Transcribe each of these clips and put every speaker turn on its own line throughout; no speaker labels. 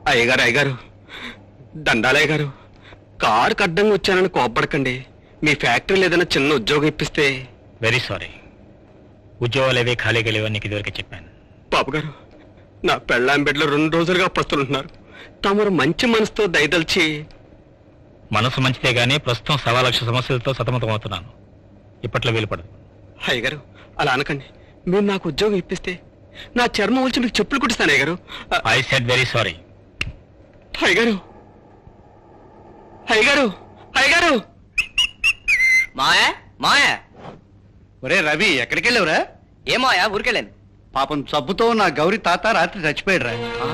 అయ్యగారు అయ్యగారు దండాలయ్య గారు, కారుకి అడ్డంగా వచ్చానని కోప్పడకండి. మీ ఫ్యాక్టరీలో ఏదైనా చిన్న ఉద్యోగం ఇప్పిస్తే.
వెరీ సారీ, ఉద్యోగాలు ఏవే ఖాళీగా లేవని నీకు ఇదివరకే చెప్పాను.
బాబు గారు, నా పెళ్ళాం బిడ్డలు 2 రోజులుగా పస్తులుంటున్నారు. తమరు మంచి మనసుతో దయదలిచి.
మనసు మంచిదే గానీ ప్రస్తుతం 1,00,000 సమస్యలతో సతమతమవుతున్నాను. ఇప్పట్లో వీలుపడదు.
అయ్యగారు అలా అనకండి. మీరు నాకు ఉద్యోగం ఇప్పిస్తే నా చర్మం వచ్చి మీకు చెప్పులు కుట్టిస్తాను అయ్యగారు.
I said very sorry.
అయ్యగారు అయ్యగారు అయ్యగారు.
మాయా మాయా.
ఒరే రవి, ఎక్కడికి వెళ్ళావురా?
ఏమాయా, ఊరికెళ్ళాను.
పాపం జబ్బుతో నా గౌరీ తాత రాత్రి చచ్చిపోయాడురా.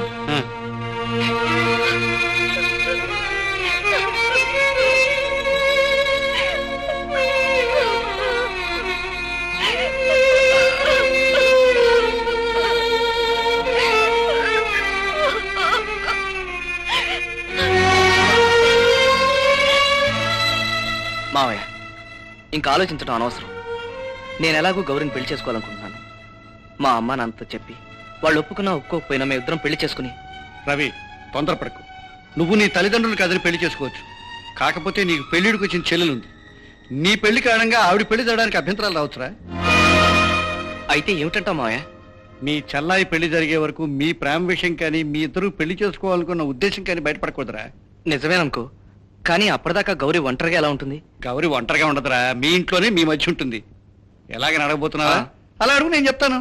మావయ్య, ఇంకా ఆలోచించడం అనవసరం. నేను ఎలాగో గౌరిని పెళ్లి చేసుకోవాలనుకుంటున్నాను. మా అమ్మ నాన్నతో చెప్పి వాళ్ళు ఒప్పుకున్నా ఒప్పుకోకపోయినా మేము ఇద్దరం పెళ్లి చేసుకుని.
రవి, తొందరపడకు. నువ్వు నీ తల్లిదండ్రులు కాదని పెళ్లి చేసుకోవచ్చు. కాకపోతే నీకు పెళ్లిడికి వచ్చిన చెల్లెలుంది. నీ పెళ్లి కారణంగా ఆవిడ పెళ్లి జరగడానికి అభ్యంతరాలు రావచ్చురా.
అయితే ఏమిటంటావు మావయ్య?
మీ చెల్లాయి పెళ్లి జరిగే వరకు మీ ప్రేమ విషయం కానీ మీ ఇద్దరు పెళ్లి చేసుకోవాలనుకున్న ఉద్దేశం కానీ బయటపడకూడదురా.
నిజమేననుకో, కానీ అప్పటిదాకా గౌరీ ఒంటరిగా ఎలా ఉంటుంది?
గౌరీ ఒంటరిగా ఉండదురా, మీ ఇంట్లోనే మీ మధ్య ఉంటుంది. ఎలాగని అడగబోతున్నావా? అలా అడుగు, నేను చెప్తాను.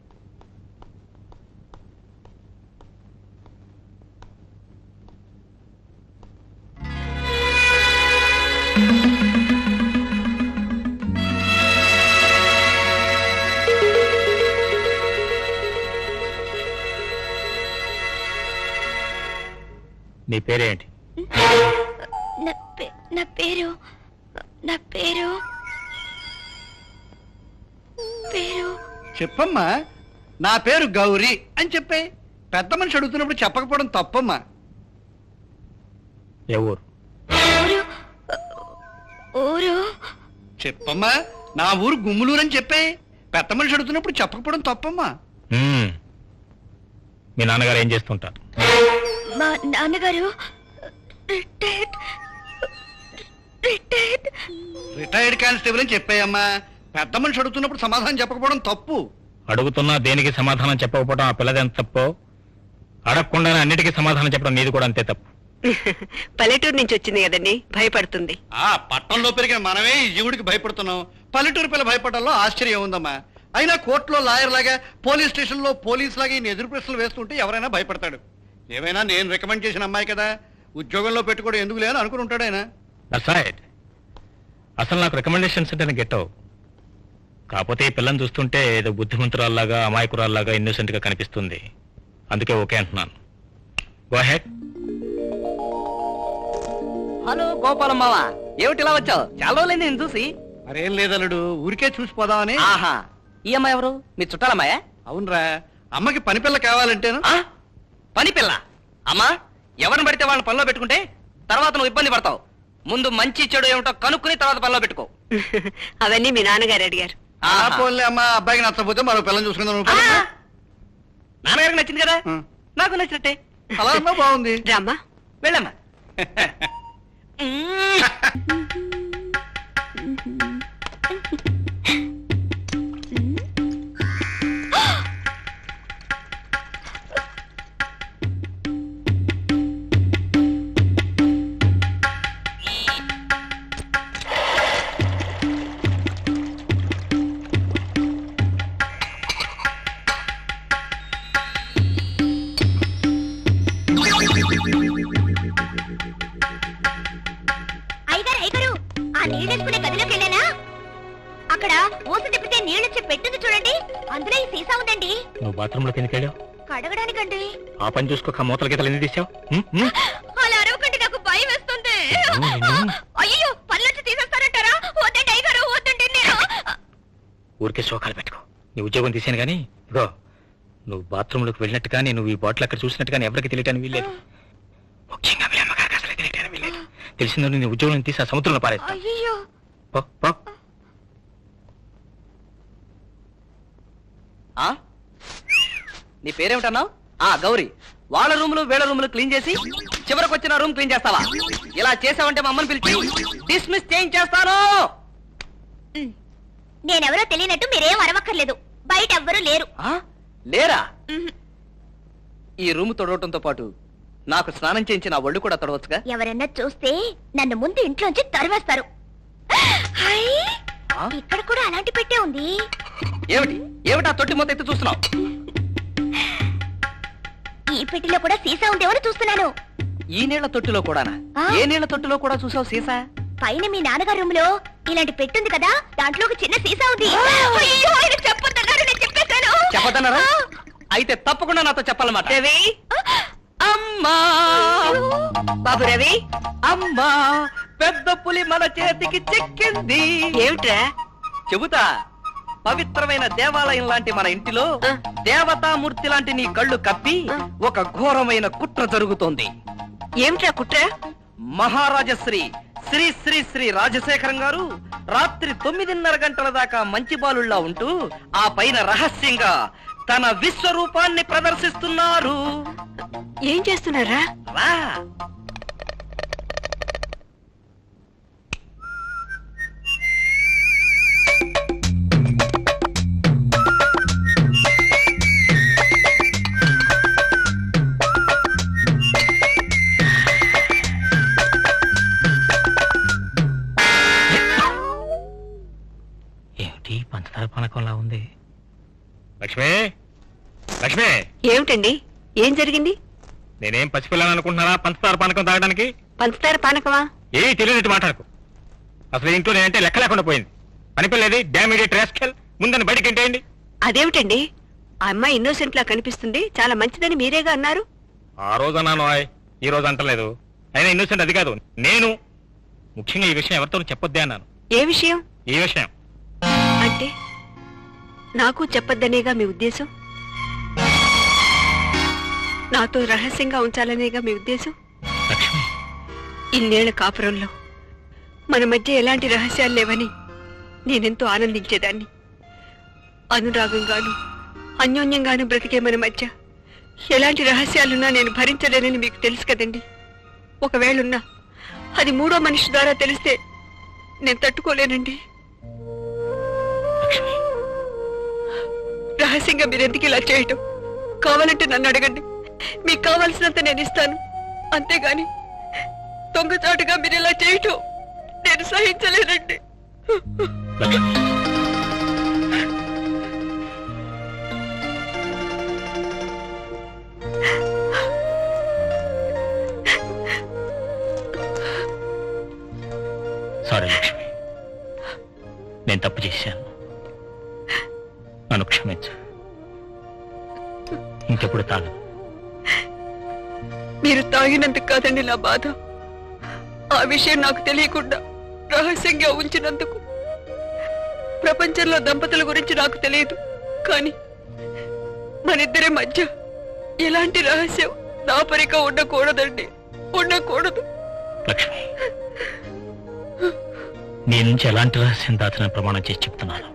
నీ పేరేంటి?
నా పేరు
చెప్పమ్మా. నా పేరు గౌరీ అని చెప్పే. పెద్ద మనిషి అడుగుతున్నప్పుడు చెప్పకపోవడం తప్పమ్మా.
ఏ ఊరు?
ఊరు
చెప్పమ్మా. నా ఊరు గుమ్ములూరు అని చెప్పే. పెద్ద మనిషి అడుగుతున్నప్పుడు చెప్పకపోవడం తప్పమ్మా.
మీ నాన్నగారు ఏం చేస్తుంటారు?
మా నాన్నగారు
రిటైర్డ్ కానిస్టేబుల్ అని చెప్పాయమ్మా. పెద్ద మనిషి అడుగుతున్నప్పుడు సమాధానం చెప్పకపోవడం తప్పు.
అడుగుతున్నా దేనికి సమాధానం చెప్పకపోవడం ఆ పిల్లది ఎంత తప్పో, అడగకుండానే అన్నిటికీ సమాధానం చెప్పడం నీది కూడా అంతే తప్పు.
పల్లెటూరు నుంచి వచ్చింది కదండి, భయపడుతుంది.
పట్టణంలో పెరిగిన మనమే ఈ జీవుడికి భయపడుతున్నాం. పల్లెటూరు పిల్ల భయపడడంలో ఆశ్చర్యం ఉందమ్మా. అయినా కోర్టులో లాయర్ లాగా, పోలీస్ స్టేషన్ లో పోలీస్ లాగా ఈ ఎదురు ప్రశ్నలు వేస్తుంటే ఎవరైనా భయపడతాడు. ఏమైనా నేను రికమెండ్ చేసిన అమ్మాయి కదా, ఉద్యోగంలో పెట్టుకోవడం ఎందుకు లేదని అనుకుని ఉంటాడు ఆయన.
అసలు నాకు రికమెండేషన్స్ అంటే గెట్టవు. కాకపోతే ఈ పిల్లని చూస్తుంటే ఏదో బుద్ధిమంతురాల్లాగా, అమాయకురాల్లాగా, ఇన్నోసెంట్ గా కనిపిస్తుంది. అందుకే ఓకే అంటున్నాను. Go head.
హలో గోపాలం మావా, ఏమిటి ఇలా వచ్చావు? చాలా రోజులైంది నేను చూసి.
మరేం లేదలుడు, ఊరికే చూసిపోదామని.
ఆహా, ఈ అమ్మాయి ఎవరు? మీ చుట్టాలమ్మాయా?
అవునరా, అమ్మకి పని పిల్ల కావాలంటేను.
పని పిల్ల? అమ్మా, ఎవరిని పడితే వాళ్ళని పనిలో పెట్టుకుంటే తర్వాత నువ్వు ఇబ్బంది పడతావు. ముందు మంచి చెడు ఏమిటో కనుక్కుని తర్వాత పనిలో పెట్టుకో.
అవన్నీ మీ నాన్నగారు అడిగారు.
పోన్లే అమ్మా, అబ్బాయికి నచ్చకపోతే మరో పిల్లని చూసుకుందాం.
నాన్నగారికి నచ్చింది కదా, నాకు నచ్చినట్టే.
అలా అమ్మా, బాగుంది.
రామ్మా,
వెళ్ళమ్మా.
నీళ్ళెత్తుకునే గదిలోకి వెళ్ళానా? అక్కడ మూసి తిప్పితే నీళ్ళొచ్చి పెట్టింది చూడండి, అందులో ఈ సీసా ఉందండి.
నువ్వు బాత్రూమ్ లోకి ఎందుకు వెళ్ళావు?
కడగడానికండి.
ఆ పని చూసుకోక మూతల గీతలు ఎందుకు తీసావు?
అలా అరవకండి, నాకు భయం వేస్తుంది. అయ్యో, పనులొచ్చి తీసేస్తారంటారా? వద్దండి అయ్యగారు, వద్దండి. నేను
ఊరికే శోకాలు పెట్టుకో. నీ ఉద్యోగం తీసాను కానీ ఇగో, నువ్వు బాత్రూమ్ లోకి వెళ్ళినట్టు కానీ, నువ్వు ఈ బాటిల్ అక్కడ చూసినట్టు కానీ ఎవరికి తెలియటానికి వీల్లేదు. ముఖ్యంగా వీళ్ళమ్మగారికి అసలు తెలియటానికి వీల్లేదు. తెలిసిందో నీ ఉద్యోగం తీసి ఆ సముద్రంలో పారేస్తా.
అయ్యో,
నీ పేరేమిటన్నావు? గౌరీ. వాళ్ళ రూములు వీళ్ళ రూములు క్లీన్ చేసి చివరికి వచ్చిన రూమ్ క్లీన్ చేస్తావా? ఇలా చేసావంటే మా అమ్మని పిలిచి డిస్మిస్ చేయించేస్తాను.
నేనెవరో తెలియనట్టు మీరేం అరవక్కర్లేదు. బయట ఎవ్వరూ లేరు.
లేరా?
ఉహు.
ఈ రూమ్ తొడవటంతో పాటు నాకు స్నానం చేయించి నా ఒళ్ళు కూడా తొడవచ్చుగా?
ఎవరన్నా చూస్తే నన్ను ముందు ఇంట్లోంచి తరివేస్తారు. హై! ఇక్కడ కూడా అలాంటి పెట్టే ఉంది.
ఏమిటి ఏమిటి ఆ తొట్టి మొత్తం ఎత్తి చూస్తున్నావు?
ఈ పెట్టిలో కూడా సీసా ఉందేమని చూస్తున్నాను.
ఈ నీళ్ల తొట్టిలో కూడానా? ఏ నీళ్ల తొట్టిలో కూడా చూసావు సీసా?
పైన మీ నాన్నగారి రూమ్ లో ఇలాంటి పెట్టుంది కదా, దాంట్లో ఒక చిన్న సీసా ఉంది. అయ్యో, ఆయన చెప్పొద్దన్నారు, నేను చెప్పేశాను.
చెప్పదన్నారా? అయితే తప్పకుండా నాతో చెప్పాలన్నమాట.
రవి,
అమ్మా
బాబు రవి,
అమ్మా, పెద్ద పులి మన చేతికి చిక్కింది.
ఏమిట్రా?
చెబుతా. పవిత్రమైన దేవాలయం లాంటి మన ఇంటిలో దేవతామూర్తి లాంటి నీ కళ్ళు కప్పి ఒక ఘోరమైన కుట్ర జరుగుతోంది.
ఏమిట్రా కుట్ర?
మహారాజశ్రీ శ్రీ శ్రీ శ్రీ రాజశేఖరం గారు రాత్రి 9:30 గంటల దాకా మంచి బాలుళ్లా ఉంటూ ఆ పైన రహస్యంగా తన విశ్వరూపాన్ని ప్రదర్శిస్తున్నారు.
ఏం చేస్తున్నారా?
రా.
ఏమిటి పంచదార పానకంలా ఉంది? లక్ష్మి, లక్ష్మి,
ఏమిటండి? ఏం జరిగింది?
నేనేం పసిపిల్లని అనుకుంటున్నానా పంచదార పానకం తాగడానికి?
పంచదార పానకమా?
ఏ తెలియనట్టు మాట్లాడకు. అసలు ఇంట్లో నేనంటే లెక్క లేకుండా పోయింది. పనిపిల్లేది డామిడేట్ రాస్కెల్, ముందని బయటకి ఎంటేయండి.
అదేమిటండి? ఆ అమ్మాయి ఇన్నోసెంట్ లా కనిపిస్తుంది, చాలా మంచిదని మీరేగా అన్నారు.
ఆ రోజు అన్నాను, ఈ రోజు అంటలేదు. అయినా ఇన్నోసెంట్ అది కాదు, నేను. ముఖ్యంగా ఈ విషయం ఎవరితో చెప్పొద్దే అన్నాను.
ఏ విషయం?
ఈ విషయం
అంటే నాకు చెప్పొద్దనేగా మీ ఉద్దేశం? నాతో రహస్యంగా ఉంచాలనేగా మీ ఉద్దేశం?
లక్ష్మి,
ఇన్నేళ్ల కాపురంలో మన మధ్య ఎలాంటి రహస్యాలు లేవని నేనెంతో ఆనందించేదాన్ని. అనురాగంగాను అన్యోన్యంగాను బ్రతికే మన మధ్య ఎలాంటి రహస్యాలున్నా నేను భరించలేనని మీకు తెలుసు కదండి. ఒకవేళున్నా అది మూడో మనిషి ద్వారా తెలిస్తే నేను తట్టుకోలేనండి. రహస్యంగా మీరెందుకు ఇలా చేయటం? కావాలంటే నన్ను అడగండి, మీకు కావాల్సినంత నేను ఇస్తాను. అంతేగాని దొంగచాటుగా మీరు ఇలా చేయటం నేను సహించలేనండి.
సారీ లక్ష్మి, నేను తప్పు చేశాను, నన్ను క్షమించు. ఇంకెప్పుడు తాగను.
మీరు తాగినందుకు కాదండి నా బాధ, ఆ విషయం నాకు తెలియకుండా రహస్యంగా ఉంచినందుకు. ప్రపంచంలో దంపతుల గురించి నాకు తెలియదు, కానీ మనిద్దరి మధ్య ఎలాంటి రహస్యం దాపరిక ఉండకూడదండి, ఉండకూడదు.
లక్ష్మి, నీ నుంచి ఎలాంటి రహస్యం దాచిన ప్రమాణం చేసి చెప్తున్నాను.